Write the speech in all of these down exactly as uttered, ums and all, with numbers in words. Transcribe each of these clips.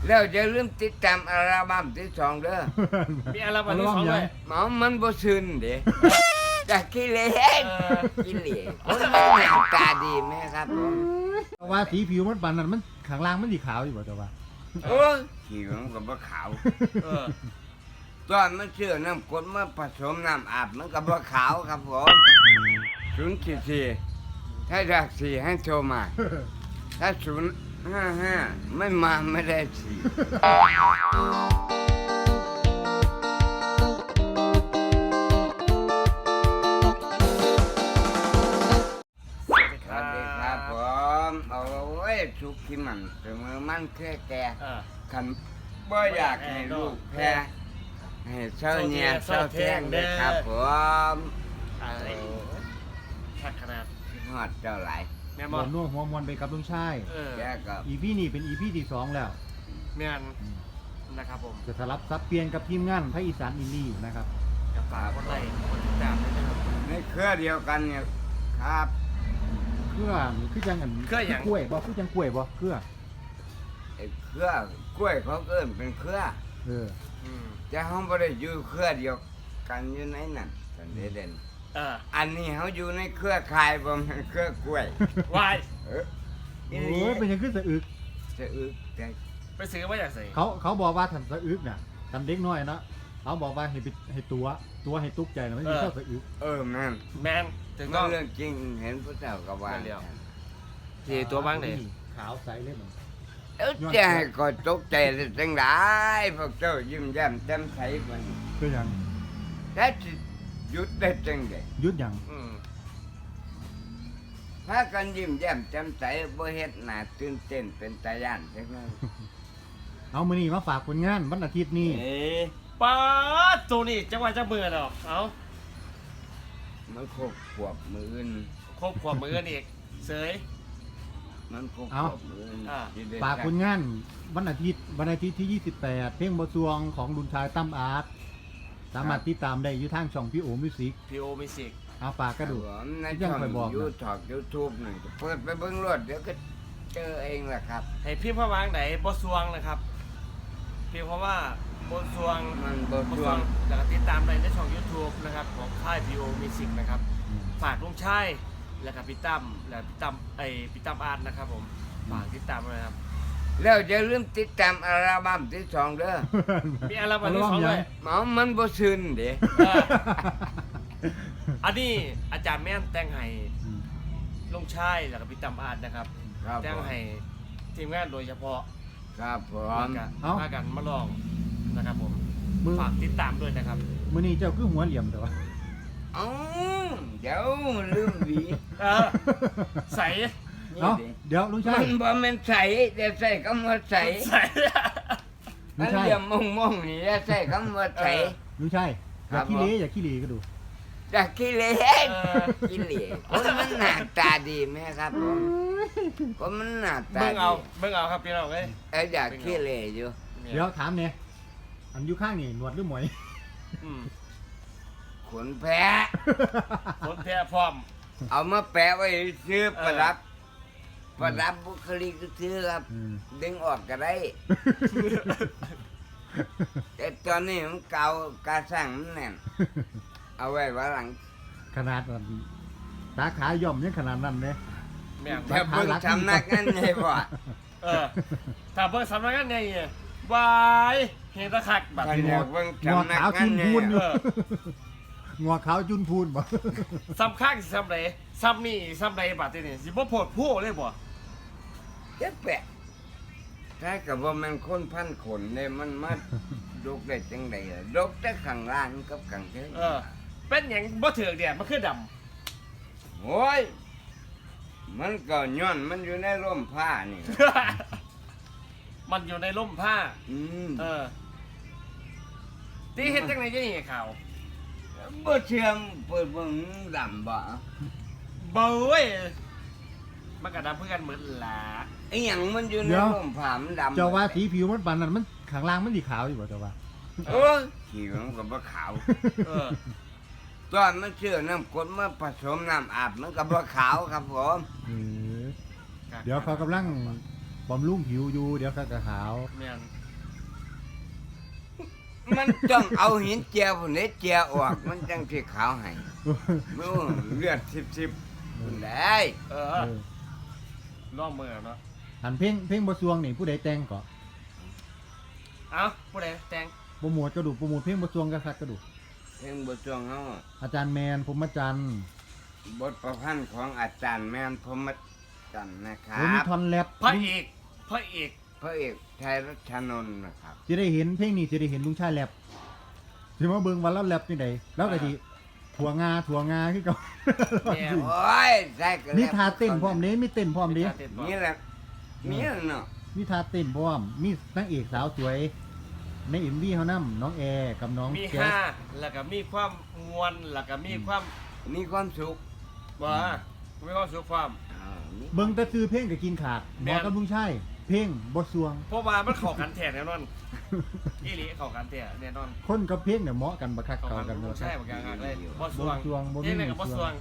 แล้วอย่าลืมติดตามอัลบั้มที่สองเด้อมีอัลบั้มที่สองด้วยหมอมันบ่ซึนเด้จากขี้เหร่เออขี้เหร่คนมันหน้าตาดีไหมครับผมแต่ว่าสีผิวมันปานนั้นมันข้างล่างมันสีขาวอยู่บ่แต่ว่าโอ้ยขี้มันก็บ่ขาวเออตอนมันเชื่อน้ำกรดมาผสมน้ำอาบมันก็บ่ขาวครับผมศูนย์สี่สี่ถ้าอยากสี่ให้โทรมา ถ้าศูนย์ห้าห้าไม่มาไม่ได้สี่สวัสดีครับผมเอาไว้สุขีมันเสมอมันแค่แก่เออคันบ่อยากให้ลูกแพ้ให้เช้าเนี่ยเช้าเที่ยงเด้อครับผมอะไรชักขนาดฮอดเจ้าหลายแม่บบ่อกนัวหัวมวนไปกับลุงชายเออแกก็อีพีนี้เป็นอีพีที่สองแล้วแม่นนะครับผมจะสลับซับเปลี่ยนกับทีมงานภาคอีสานอินดี้นะครับกับฝากกดไลค์กดติดตามด้วยนะครับในเครือเดียวกันเนี่ยครับเครือคือจังอันเครือหยังกล้วยบ่คือจังกล้วยบ่เครือไอ้เครือกล้วยเขาเอิ้นเป็นเครือเอออืมแต่เฮาบ่ได้อยู่เครือเดียวกันอยู่ในนั้นสันเดเด่นเอออันนี้เฮาอยู่ในเครือข่ายบ่แม่นเครือกล้วยวายเอออีโอ้หลียเป็นหยังขึ้นสะอึกจะอึกแต่ไปซื้อมาจากไหนเขาเขาบอกว่าทันสะอึกน่ะทำเด็กน้อยเนาะเขาบอกว่าให้ไปให้ตัวตัวให้ตุกใจนะไม่มีเจ้าสะอึกเออแม่นแมนถึงก็ต้องเรื่องจริงเห็นพระเจ้าก็ว่านั่นเดียว ทีตัวบ้างเลยขาวใสเลยมันเอ้าจะให้ก็ตกใจได้จังได๋พวกเจ้ายิ้มแย้มแจ่มใสมันคือหยังถ้าสิหยุดได้จังได๋ยุดหยังอืมพากันยิ้มแย้มแจ่มใสบ่เฮ็ดหน้าตื่นเต้นเป็นตาย่านจักหน่อยเอามื้อนี้มาฝากผลงานวันอาทิตย์นี้เอ๊ะป้าดตัวนี้จังหวะจะเบื่อดอกเอามันครบขวบมื้ออื่นครบขวบมือกันอีกเสยมันครบขวบมื้ออื่นอ่าสิได้ฝากผลงานวันอาทิตย์วันอาทิตย์ที่ยี่สิบแปดเพลงบ่ซวงของลุนชายตั้มอาร์ตสามารถติดตามได้อยู่ทางช่องพี่โอมิวสิกพีโอมิสิกเอาฝากกระดูกผมในยัช่งองค่อยบอกนะยูทูบ YouTube นี่ก็เปิดไปเบิ่งรถเดี๋ยวก็เจอเองแหละครับให้พิมพ์เข้าวางไหนบสวงนะครับพิมพ์คำว่าบสวงมันบ่บช่สววงงแล้วก็ติดตามในในช่อง YouTube นะครับของค่ายพีโอมิสิกนะครับฝากลุงชัยแล้วก็พี่ตั้มแล้วพี่ตั้มไอพี่ตั้มอาร์ตนะครับผมฝากติดตามด้วยนะครับแล้วอย่าลืมติดตามอัลบั้มที่สองเด้อมีอัลบั้มที่สองด้วยหมอมันบ่ซึนเด้เอออันนี้อาจารย์แม่นแต่งให้ลุงชัยแล้วก็พี่ตั้มอาร์ตนะครับครับแต่งผมให้ทีมงานโดยเฉพาะครับผมมากันมากันมาลองนะครับผมมือฝากติดตามด้วยนะครับมื้อนี้เจ้าคือหัวเหลี่ยมแต่ว่าเอ้าเดี๋ยวลืมหวีเออใส่นี่เนาะดิเดี๋ยวลุงมัชายนบ่แม่นใสแต่ใส่คำว่าใสใส่ลุอังนชายเดียวมองๆนี่อย่าใส่คำว่าใสลุงชายอครัย่าบขี้เหร่ผมอย่าขี้เหร่ก็ดูจากขี้เหร่เออขี้เหร่คนมันหน้าตาดีไหมครับผมคนมันหน้าตาเบิ่งดีเอาเบิ่งเอาครับพี่น้องเอ้ยเอ้ยอยากขี้เหร่อยู่เดี๋ยวถามเนี่ยอันอยู่ข้างนี่หนวดหรือหมวยอืมขนแพะคนแท้พร้อมเอามาแปะไว้ซื้อเออประดับ ประดับบุคลิกซื้อครับอืมดึงออกก็ได้ แต่ตอนนี้มันเก่ากาสั่งมันแน่น เอาไว้ว่าหลังขนาดนั้นตาขาย่อมยังขนาดนั้นเลยแม่งแต่เบิ่งทำนักงานไงบ่เออถ้าเบิ่งสำนักงานใหญ่เนี่ยวายเฮดตะคักแบบคันนี้อยากเบิ่งงอทำนักขาวงาจุนนไงพูนอยู่เอองอขาวจุนพูนบ่ซ้ำข้างสิซ้ำใดซ้ำนี่ซ้ำใดบาดนี้สิบ่โพดผู้เลยบ่เจ๊แปะถ้ากับว่ามันคนพันขนเนี่ยมันมาดกได้จังไดล่ะดกแต่ข้างล่างกับข้างเทิงเออ เป็นหยังบ่ถือกเดียมันคือดำโอ้ยมันก็ย้อนมันอยู่ในร่มผ้านี่มันอยู่ในร่มผ้าอืมเออตีเฮ็ดจังไดจะนี่ข่าวบ่เชื่อมเปิดเบิ่งดำบ่เบ้ยมันก็ดำเพื่อกันเหมือนหลาไอ้หยังมันอยู่ในเดี๋ยวร่มผ้ามันดำเจ้าว่าสีผิวมันปานนั้นมันข้างล่างมันสีขาวอยู่บ่เจ้าว่าโอ้ยขี้มันก็บ่ขาวเออตอนมันเชื่อน้ำกรดมาผสมน้ำอาบมันก็บ่ขาวครับผมเออเดี๋ยวเขากำลังบำรุงผิวอยู่เดี๋ยวก็กระขาวแม่นมันต้องเอาหินเจียวพุ่นนี้เจียวออกมันจังสิขาวให้นู่นเลือดสิบๆพุ่นได้เอเอออล่องมือเนาะอันเพลงเพลงบ่สวงนี่ผู้ใดแต่งก็เอ้าผู้ใดแต่งโปรโมทก็ดูโปรโมทเพลงบ่สวงก็คักก็ดูเพลงบทจวงเฮาอาจารย์แมนพรหมจันทร์บทประพันธ์ของอาจารย์แม่นพรหมจันทร์นะครัโอ้มีบท่อนแรปพระเอกพระเอกพระเอกชัยรัชนนท์นะครับจะได้เห็นเพลงนี้จะได้เห็นลุงชายแรปสิมาเบิ่งว่าเราแรปจังไดแล้วก็สิถั่วงาถั่วงาคือเก่าแม่โอ้ยใช่ก็มีท่าเต้นพร้อมเด้มีเต้นพร้อมเด้นี่แหละนี่แหละเนาะมีท่าเต้นพร้อมมีนางเอกสาวสวยใน เอ็ม วี เฮานำน้องแอร์กับน้องมีแจ๊ห้าสแล้วก็มีความมวลแล้วก็มีความมีความสุขบ่มีความสุขความอ่ามีเบิ่งแต่ซื้อเพลงก็กินขาดหมอกับลุงชายเพลงบ่สวงเพราะว่ามันเข้ากันแท้แน่นอนอีหลีเข้ากันแท้แน่นอนคนกับเพลงเนี่ยเหมาะกันบักคักเข้าเข้ากักัน นบ่บ่ใช่ใช่บางอย่างเลยบ่สบ่วงสวงบ่เฮ็มีดอะไรกับบ่บ่สสววงง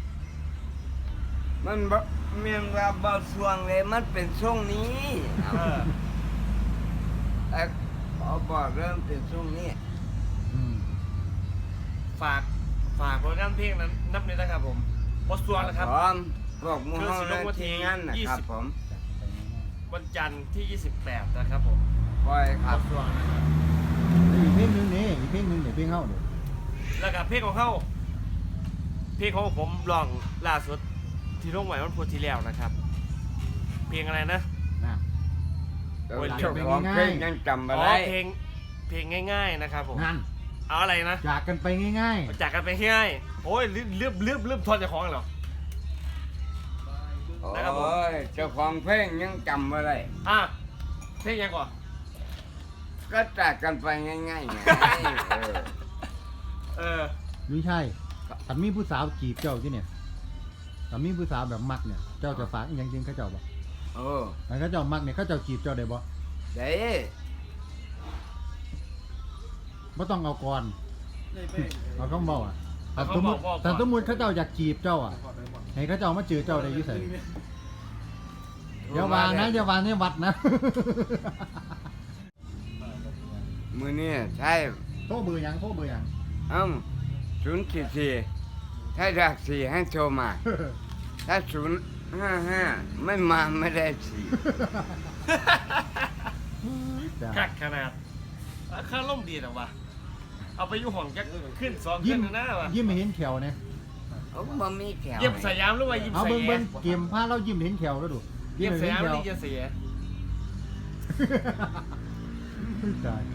มันบ่เมียนว่าบ่สวงเลยมันเป็นช่วงนี้เออไอ้พอบอกเริ่มเป็นช่วงนี้อืมฝากฝากผลงานเพลงนั้นนับเลยนะครับผมบ่สวงนะครับพร้อมพวกหมูคือเฮาสิลและงวันที่ทีมงานนะยี่ครัสิบบ ผมวันจันทร์ที่ยี่สิบแปดนะครับผมปล่อยคบ่รับสวงนะครับอีกเพลงหนึงนี่อีกเพลงหนึงเดี๋ยวเพลงเฮาเนี่ยแล้วก็เพลงของเขาเพลงของผมร้องล่าสุดที่ลงไว้วันพุธที่แล้วนะครับ เพลงอะไรนะนะเดี๋ยวโอ้ยเจ้าของเพลงยังจำอ๋อะอไรเพลงเพลงง่ายๆนะครับผมนั่นเอาอะไรนะจากกันไปง่ายจากกันไปง่ายๆโอ้ยลืมลืมลืมลืมทอนเจ้าของเหรอ นะครับผมโอ้ยเจ้าของเพลงยังจำอะไรอ่ะเพลงยังก่อนก็จากกันไปง่ายๆไงเออเออๆลุงชายถ้ามีผู้สาวจีบเจ้าที่เนี่ยถ้ามีผู้สาวแบบมักเนี่ย เจ้าจะฝากอหยังจริงเขาเจ้าบ่โอ้ถ้าเขาเจ้ามักเนี่ยเขาเจ้าจีบเจ้าได้บ่เด้บ่ต้องเอาก่อนเอาเขาบอกอ่ะแต่เขาสมมบอติกบอกก่อนแต่สมมติเขาเจ้าอยากจีบเจ้าอ่ะให้เขาเจ้ามาเจอเจ้าได้อยี่ไสอย่าวางนะอย่าวางในวัดนะมือนี่ใช่โทรเบอร์หยังโทรเบอร์หยังอ้าศูนย์สี่สี่ถ้าจากสี่ให้โทรมา ถ้าศูนย์ห้าห้าไม่มาไม่ได้สี่จ้ะคักขนาดอ่ะค่าล่มดีหรอวะเอาไปอยุ่ห้องจะขึ้นสองยิ้ขึ้มนหน้าวะยิ้มให้เห็นแขวเนี่ยโอ้บ่มีแขวเยี่ยมสยามหรือว่ายิ้มเอาสเบิ่งยาเบิ่งมเกมพาเรายิ้มเห็นแขวแล้วดูเยี่ยมสให้ยามเห็นหรือแขวเยี่ยมเสียตาย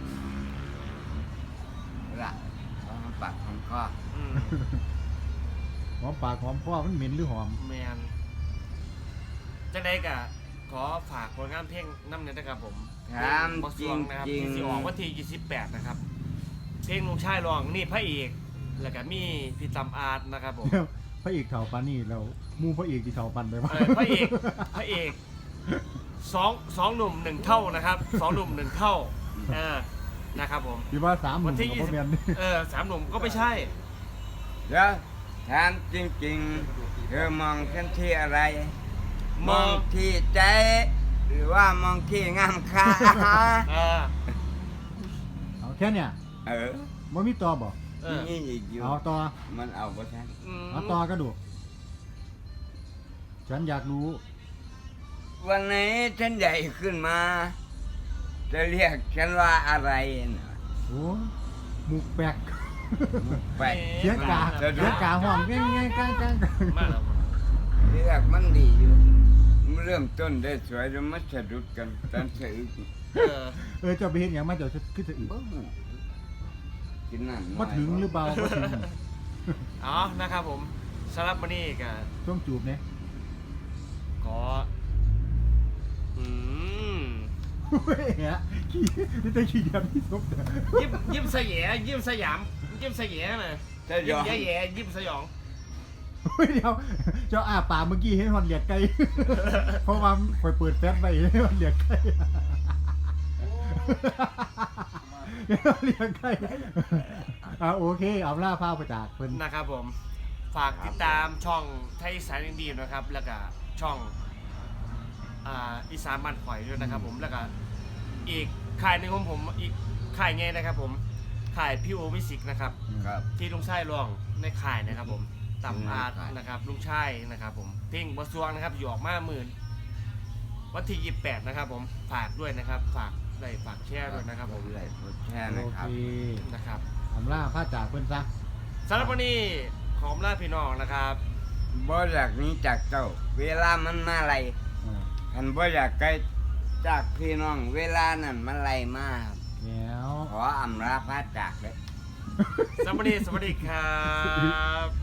ละเอามาปากของคออืมหอมปากหอมคอมันเหม็นหรือหอมแมนจังไดกะขอฝากผลงานเพลงน้ำเนยนะครับผมถามบอสจริวงงนะครับจริงที่สิออกวันที่ยี่สิบแปดนะครับ เพลงลุงชายร้องนี่พระเอกแล้วก็มีพี่ตำอาร์ตนะครับผมเดี๋ยวพระเอกเถ่าปานนี่เราหมู่พระเอกที่เถ่าปันไปวะเออพระเอกพระเอกสองสองหนุ่มหนึ่งเท่านะครับสองหนุ่มหนึ่งเท่าเออนะครับผมพี่ว่าสามหวันุ่นมที่กับยี่พ่อสิบแมนนี่เออสามหนุ่มก็ไม่ใช่เดี๋ยวถามจริงๆเธอมองฉันที่อะไร มองที่ใจ หรือว่ามองที่งามค่าเออเอาแค่เนี่ยเออมันมีต่อบอกเออนี่อีกอยู่เอาต่อมันเอาบ่ทันอืมเอาต่อก็ดูฉันอยากรู้วันไหนฉันใหญ่ขึ้นมา จะเรียกฉันว่าอะไรนะโอ้หมูกแปลกไปเสียงกาจะดูเสียงกาห้องง่ายๆกลางๆมาแล้วเรียกมันดีอยู่มันเริ่มต้นได้สวยแล้วมันสะดุดกันตอนสะอึกเออเออเจะไปเห็นอย่างมาเดี๋ยวจะขึ้นจะอึบ่หูกินน้ำน้อยมาถึงหรือเปล่ามาถึงอ๋อนะครับผมสำหรับวันนี้ก็ช่วงจูบเนี่ยขออืมเฮ้ยฮะขี้นี่แต่ขี้เดียบที่สุดยิ้มยิ้มสยามยิ้มสยามยิ้มสยามนะถ้ายิ้ยมอมแย่แย่ยิ้มสยองเฮ้ยเดี๋ยวเจ้าอาปากเมื่อกี้ให้ฮอนเหลียกไก่ เพราะว่าคอยเปิดแฟชไปให้ฮอนเหลียกไก่ให้ฮอนเหลียกไก่อ่าโอเคเอาล่าผ้าประจากเพิ่นนะครับผม ฝากติดตามช่องไทยสายอินดีนะครับ แล้วก็ช่องอ่าอีสานบ้านข่อยด้วยนะครับผมแล้วก็อีกค่ายหนึ่งของผมอีกค่ายไงนะครับผมค่ายพี่โอมิสิกนะครับครับที่ลุงชายร้องในค่ายนะครับผมต่ำอาดในค่ายนะครับลุงชายนะครับผมเพลงบะซวงนะครับอยู่ออกมาหมื่นวันที่ยี่สิบแปดนะครับผมฝากด้วยนะครับฝากไลค์ฝากแชร์ด้วยนะครับผมเลยแค่โอนะคเครับนะครับอำลาพระจากเพิ่นซะสำหรับวันนี้ขอมลาพี่น้องนะครับบ่อยากหนี้จากเจ้า เวลามันมาไล่อ่าคันบ่อยากไกลจากพี่น้อง เวลานั้นมันไล่มาครับแล้วขออำลาพระจากเลยสำหรับวันนี้สวัสดีครับ